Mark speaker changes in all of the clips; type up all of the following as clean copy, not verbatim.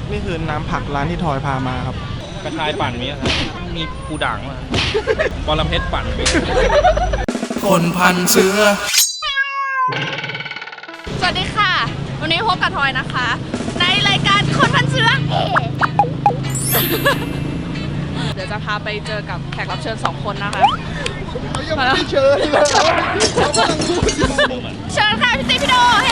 Speaker 1: นี่คือน้ำผักร้านที่ทอยพามาครับ
Speaker 2: กระชายปั่นมีปูด่างมาบอลเพชรปั่น
Speaker 1: คนพันเสือ
Speaker 3: สวัสดีค่ะ วันนี้พบกับทอยนะคะ ในรายการคนพันเชื้อ เดี๋ยวจะพาไปเจอกับแขกรับเชิญ2 คนนะคะ
Speaker 1: เขายังไม่ได้เชิญเลยเขากำลังพูดอยู่
Speaker 3: เชิญค่ะพี่ติ๊กพี่โดเฮ้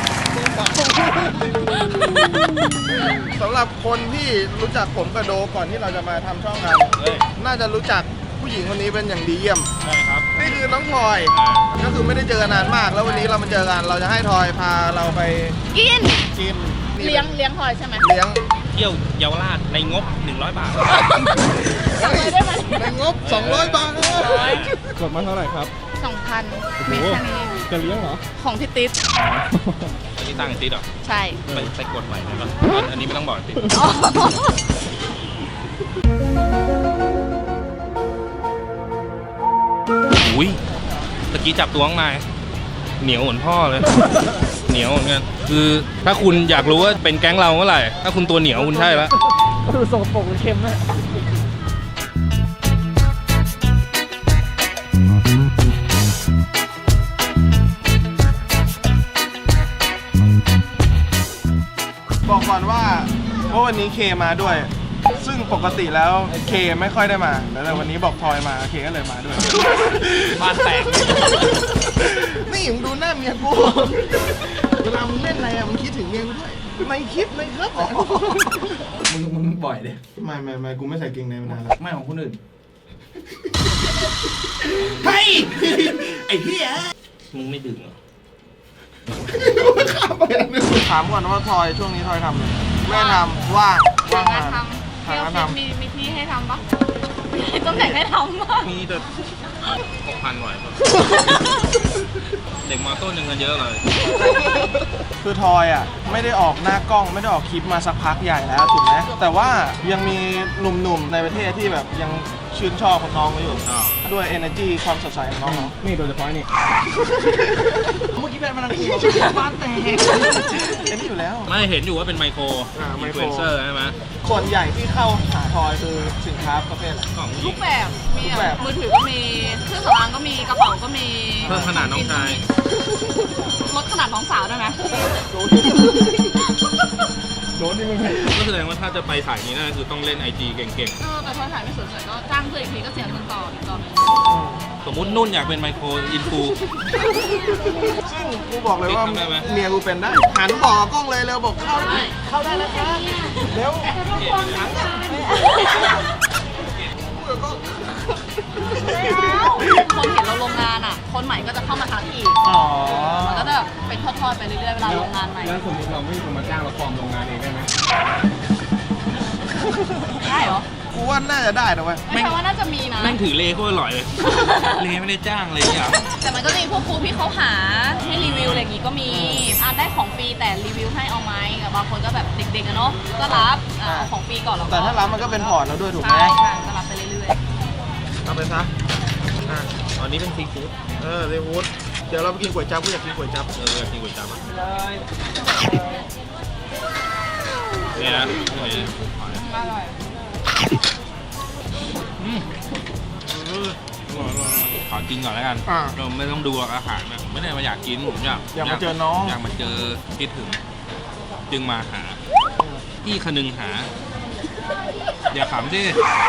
Speaker 1: สำหรับคนที่รู้จักผมกับโดก่อนที่เราจะมาทำช่องกันน่าจะรู้จักผู้หญิงคนนี้เป็นอย่างดีเยี่ยม
Speaker 2: ใช่ครับ
Speaker 1: นี่คือน้องทอยก็คือไม่ได้เจอกันนานมาก แล้ววันนี้เรามาเจอกันเราจะให้ทอยพาเราไป
Speaker 3: กิน
Speaker 1: กิน
Speaker 3: เลี้ยงทอยใช่ไหม
Speaker 1: เลี้ยง
Speaker 2: เที่ยวเยาวราชในงบ100 บาท
Speaker 3: สั่งเลยได้ไหม
Speaker 1: ในงบ200 บาทกดมาเท่าไหร่ครับ
Speaker 3: 2,000 มีแค่นี้
Speaker 1: จะเลี้ยงเหรอ
Speaker 3: ของพี่ติ๊ก
Speaker 2: อันนี้ตั้งติดหรอ
Speaker 3: ใช่
Speaker 2: ไปกดใหม่ได้ปะอันนี้ไม่ต้องบอกติด
Speaker 3: อ๋อ
Speaker 2: อุ้ยตะกี้จับตัวข้างในเหนียวเหมือนพ่อเลย เหนียวเหมือนกันคือถ้าคุณอยากรู้ว่าเป็นแก๊งเราเมื่อไหร่ถ้าคุณตัวเหนียวคุณใช่แล้ว
Speaker 1: ดูสกปรกหรือเค็มนะบอกก่อนว่าวันนี้เคมาด้วย ซึ่งปกติแล้วเคไม่ค่อยได้มาแต่วันนี้บอกทอยมาเคก็เลยมาด้วย
Speaker 2: บ้านแตก
Speaker 1: นี่มึงดูหน้าเมียกูเวลามึงเล่นอะไรอะมึงคิดถึงเมียกูด้วยในคลิปในครับมึงบ่อยเด้ไม่กูไม่ใส่เกงในมานานแล้วไม่ของคนอื่นเฮ้ยไอ้เหี้ย
Speaker 2: มึงไม่ดึงเหรอ
Speaker 1: ถามก่อนว่าทอยช่วงนี้ทอยทำอะไรไม่ทำว่างงาน
Speaker 3: ทำเที่ยวมีที่ให้ทำปะมีตำแหน่งให้ทำปะ
Speaker 2: มีแต่6,000 หน่อยป่ะ เด็กมอต้นยังเงินเยอะเลย
Speaker 1: คือทอยอ่ะไม่ได้ออกหน้ากล้องไม่ได้ออกคลิปมาสักพักใหญ่แล้วถูกไหมแต่ว่ายังมีหนุ่มๆในประเทศที่แบบยังชื่นชอบของน้องเขาอยู่ด้วย energy ความสดใสของน้องนี่โดยเฉพาะนี่เมื่อกี้เป็นมันอะไรบ้านแตกเห็นอยู่แล้ว
Speaker 2: ไม่เห็นอยู่ว่าเป็นไมโคร
Speaker 1: ไม
Speaker 2: อิน
Speaker 1: โค
Speaker 2: ฟ
Speaker 1: ร
Speaker 2: ลูเอนเซอร์ใช่ไหม
Speaker 1: ส่วนใหญ่ที่เข้าหาทอยคือสินค้าประเภทอะไร
Speaker 2: ของผู้ห
Speaker 3: ทุ
Speaker 2: ญิ
Speaker 3: ก
Speaker 2: ง
Speaker 3: แบบมี
Speaker 1: ทุกแบบ
Speaker 3: มือถือก็มีเครื่องสำอางก็มีกระเป๋าก็มี
Speaker 2: เพิ่มขนาดน้องชาย
Speaker 3: ลดขนาดน้องสาวได้ไหม
Speaker 1: โดนนี่มึง
Speaker 2: ก็แสดงว่าถ้าจะไปสายนี้น่าคือต้องเล่น IG เก่ง
Speaker 3: แต่พอถ่ายไม่สวยๆก็จ้างเพื่อนอีกทีก็เสียเงินต่ออีกต่อหนึง
Speaker 2: ๆ สมมุตินุ่นอยากเป็นไมโครอินฟู
Speaker 1: ซึ่งกูบอกเลยว่า
Speaker 2: ทำได้ไหม
Speaker 1: เมียกูเป็นได้หันบอกกล้องเลยเร็วบอกเข้าได้แล้วครับเร็ว
Speaker 3: คนเห็นเราลงงานอ่ะ คนใหม่ก็จะเข้ามาทักอีก
Speaker 1: อ๋อ
Speaker 3: มันก็จะแบบเป็นทอดๆไปเรื่อยๆเวลาลงงานใหม่
Speaker 1: แล้วสมมติเราไม่มีคนมาจ้างเราฟอร์มโรงงานเองได้ไหม
Speaker 3: ได้เหรอ
Speaker 1: กูว่าน่าจะได้นะเว้ย
Speaker 3: ไม่ใช่ว่าน่าจะมีนะ
Speaker 2: แม่งถือเลโคตรอร่อยเลย เลไม่ได้จ้างเลยอ่ะ
Speaker 3: แต่มันก็จะมีพวกครูที่เขาหาให้รีวิวอะไรอย่างงี้ก็มีได้ของฟรีแต่รีวิวให้เอาไหมกับบางคนก็แบบเด็กๆอะเนาะก็รับเอาของฟรีก่อนแล้วก็
Speaker 1: แต่ถ้ารับมันก็เป็นพอร์ตแล้วด้วยถูกไหม
Speaker 3: ใช่ก็รับไปเรื่อย
Speaker 1: เอาไปซะ
Speaker 2: ตอนนี้เป็นซีฟู้ด
Speaker 1: เรวูดเดี๋ยวเราไปกินก๋วยจั๊บกูอยากกินก๋วยจั๊บ
Speaker 2: อยากกินก๋วยจั๊บอ่ะเนี่ยนะ
Speaker 3: ๆอร่อย
Speaker 2: ขอกินก่อนแล้วกัน เราไม่ต้องดูอาหารนะไม่ได้มาอยากกินผมอยาก
Speaker 1: มาเจอน้อง
Speaker 2: อยากมาเจอคิดถึง จึงมาหาพี่คนึงหา อย่าขำสิ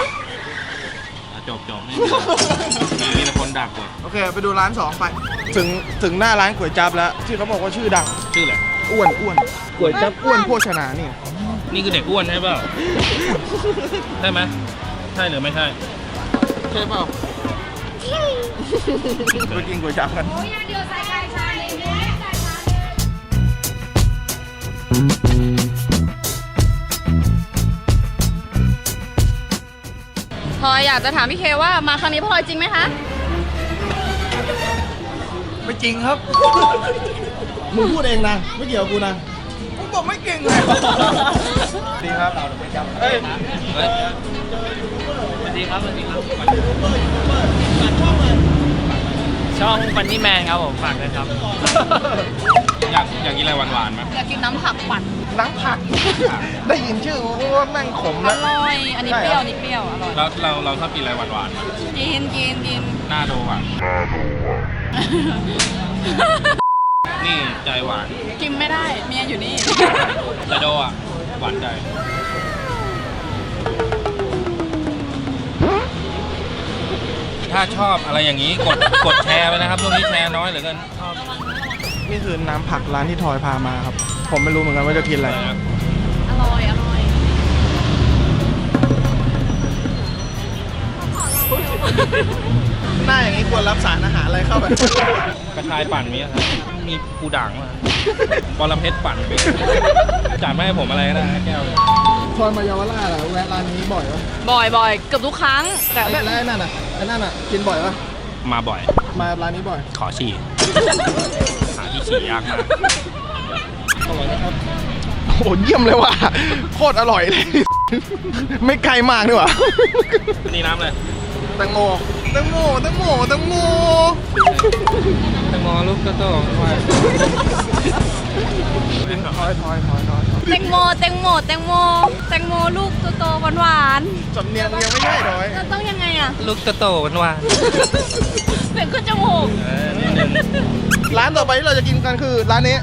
Speaker 2: จบนี่มีแต่คนดักกว่า
Speaker 1: โอเคไปดูร้าน2ไปถึงหน้าร้านก๋วยจั๊บแล้วที่เขาบอกว่าชื่อดัง
Speaker 2: ชื่ออะไร
Speaker 1: อ้วนก๋วยจั๊บอ้วนโภชนานี่
Speaker 2: นี่คือเด็กอ้วนใช่เปล่าใช่ไหมใช่หรือไม่ใช่
Speaker 1: ใช่เปล่าไปกินก๋วยจั๊บกัน
Speaker 3: พลอยอยากจะถามพี่เคว่ามาครั้งนี้พลอยจริงไหมคะ
Speaker 1: ไม่จริงครับ มึงพูดเองนะไม่เกี่ยวกับกูนะมึงบอกไม่เก่งเลยดีครับเฮ้ย
Speaker 2: สวัสดีครับสวัสดีครับ
Speaker 1: ส
Speaker 4: ช่องฟันนี่แมนครับผมฝากด้วยครับ
Speaker 2: อยากกินอะไรหวานๆไหม
Speaker 3: อยากกินน้ำผักปั่น
Speaker 1: น้ำผัก ได้ยินชื่อว่าแม่งขม
Speaker 3: อ
Speaker 1: แล้ว
Speaker 3: ร่อย อันนี้เปรี้ยวอันนี้เปรี้ยวอร่อย
Speaker 2: แล้วเราชอบกินอะไรหวานๆไหม
Speaker 3: กิน
Speaker 2: หน้าโดอ่ะ นี่ใจหวาน
Speaker 3: กินไม่ได้เมียอยู่นี่
Speaker 2: ใจโดอ่ะ หวานใจ ถ้าชอบอะไรอย่างนี้กดแชร์ไปนะครับช่วงนี้แชร์น้อยเหลือเกินชอบ
Speaker 1: นี่คือน้ำผักร้านที่ทอยพามาครับ ผมไม่รู้เหมือนกันว่าจะกินอะไร
Speaker 3: อร่อยอร่อย
Speaker 1: หน้าอย่างนี้ควรรับสารอาหารอะไรเข้าไป
Speaker 2: กระชายปั่นมีอะไรมีปูด่างมาบอลเพชรปั่นมีจัดไม่ให้ผมอะไรก็ได้นะแก้ว
Speaker 1: ทอยมาเยาวราชอะแวะร้านนี้บ่อยปะ
Speaker 3: บ่อยเกือบทุกครั้ง แต่แบบ
Speaker 1: แล้วไอ้นั่นน่ะกินบ่อยปะ
Speaker 2: มาบ่อย
Speaker 1: มาร้านนี้บ่อย
Speaker 2: ขอฉี่ หาที่ฉี่ยากมาก
Speaker 1: อร่อยนะครับโอ้โหเยี่ยมเลยว่ะโคตรอร่อยเลย ไม่ไกลมากด้วยว่ะ
Speaker 2: นี่น้ำเลย
Speaker 1: แตงโม
Speaker 2: แตงโมลูกโตๆไว้
Speaker 1: ทอย
Speaker 3: แตงโมลูกโตๆหวาน
Speaker 1: สำเนียงยังไม่ใช่ทอย
Speaker 3: ๆแล้วต้องยังไงอ่ะ
Speaker 2: ลูกโตๆหวาน
Speaker 3: เสียงขึ้นจมูก
Speaker 2: ๆนิดนึง
Speaker 1: ร้านต่อไปที่เราจะกินกันคือร้านนี้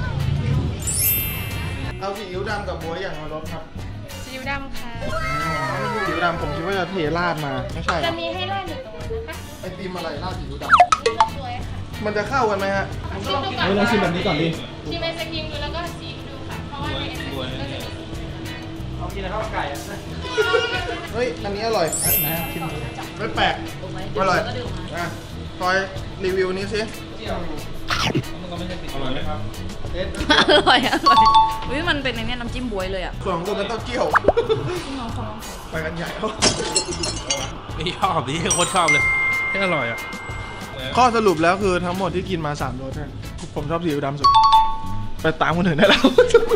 Speaker 1: เอาซีอิ๊วดำกับบัวอย่างละรสครับ
Speaker 3: ซีอิ๊วดำค่ะ
Speaker 1: ซีอิ๊วดำผมคิดว่าจะเทราดมาไม่ใช่
Speaker 3: จะมีให้ราดอยู่ตรงนั้นนะคะ
Speaker 1: ไอติมอะไรราดซีอิ๊วด
Speaker 3: สวยค่ะ
Speaker 1: ำมันจะเข้ากันไหมฮะ
Speaker 3: ชิมดูก่อน
Speaker 1: เราชิมแบบนี้ก่อนดิ
Speaker 3: ชิมไอศกรีมดูแล้วก็ซีอิ๊วดูค่ะ เพราะว่าในไอศกรีมก็จะมี
Speaker 1: เอากินข้าวไก่เฮ้ยอันนี้อร่อยนะชิมดูไม่แปลกอร่อยอ่ะทอยรีวิวนี้สิ
Speaker 2: อร่อยไหมครับ
Speaker 3: อร่อยอุ้ยมันเป็นในเนี้ยน้ำจิ้มบวยเลยอ่ะ
Speaker 1: ส่วนของตัวเป็นเต้าเจี้ยวไปกันใหญ่แล้ว
Speaker 2: ไม่ชอบดิโคตรชอบเลยแค่อร่อยอ่ะ
Speaker 1: ข้อสรุปแล้วคือทั้งหมดที่กินมา3รสเนี่ยผมชอบซีอิ๊วดำสุด ไปตามคนอื่นได้แล้ว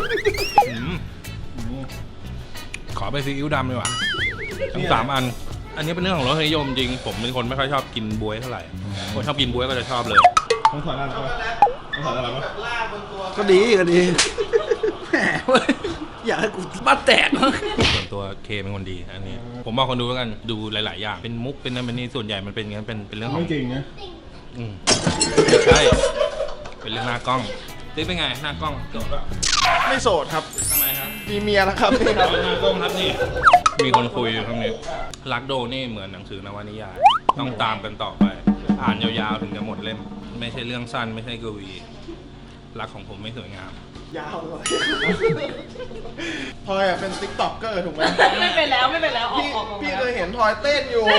Speaker 2: ขอไปซีอิ๊วดำดีกว่าทั้ง3 อัน อันนี้เป็นเรื่องของรสนิยมจริง ผมเป็นคนไม่ค่อยชอบกินบ๊วยเท่าไหร่ คนชอบกินบ๊วยก็จะชอบเลย
Speaker 1: ต้องถอดอะไรต้องถอดอะไรมั้ยก็ดีแหมอยากให้กูบ้าแตก
Speaker 2: ส่วนตัวเคเป็นคนดีอันนี้ ผมบอกคนดูแล้วกันดูหลาย ๆ อย่าง เป็นมุกเป็นนั่นเป็นนี่ส่วนใหญ่มันเป็นอย่างนั้นเป็นเรื่องของ
Speaker 1: ไม่จริงนะ
Speaker 2: อืมใช่ เป็นเรื่องหน้ากล้องติ๊กเป็นไงหน้ากล้องจบแล้ว
Speaker 1: ไม่โสดครับ
Speaker 2: ทำไมครับ
Speaker 1: มีเมียแล้วครับนี่ครับ
Speaker 2: หน้ากล้องครับนี่ มีคนคุยอยู่ข้างนี้รักโดนี่เหมือนหนังสือนวนิยาย ต้องตามกันต่อไป อ่านยาวๆถึงจะหมดเล่ม ไม่ใช่เรื่องสั้นไม่ใช่กวี รักของผมไม่สวยงาม
Speaker 1: ยาวเลยทอยอ่ะเป็นติ๊กต็อกเกอร์ถูกไหม
Speaker 3: ไม่เป็นแล้วออก
Speaker 1: พี่เคยเห็นทอยเต้นอยู่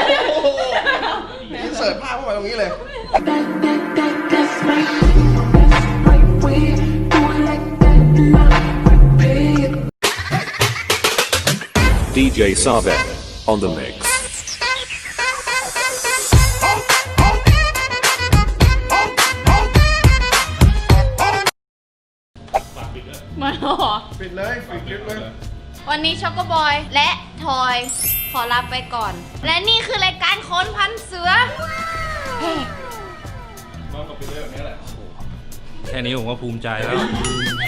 Speaker 1: พี่เสิร์ชภาพเข้ามาตรงนี้เลย
Speaker 5: That's right way. Do it like that, love, repeat.
Speaker 6: DJ Savek on the mix.
Speaker 3: มาหรอ
Speaker 1: ปิดเลยปิดคลิปเลย
Speaker 3: วันนี้ช็อกโกบอยและทอยขอลาไปก่อน และนี่คือรายการค้นพันเสือ
Speaker 2: แค่นี้ผมก็ภูมิใจแล้ว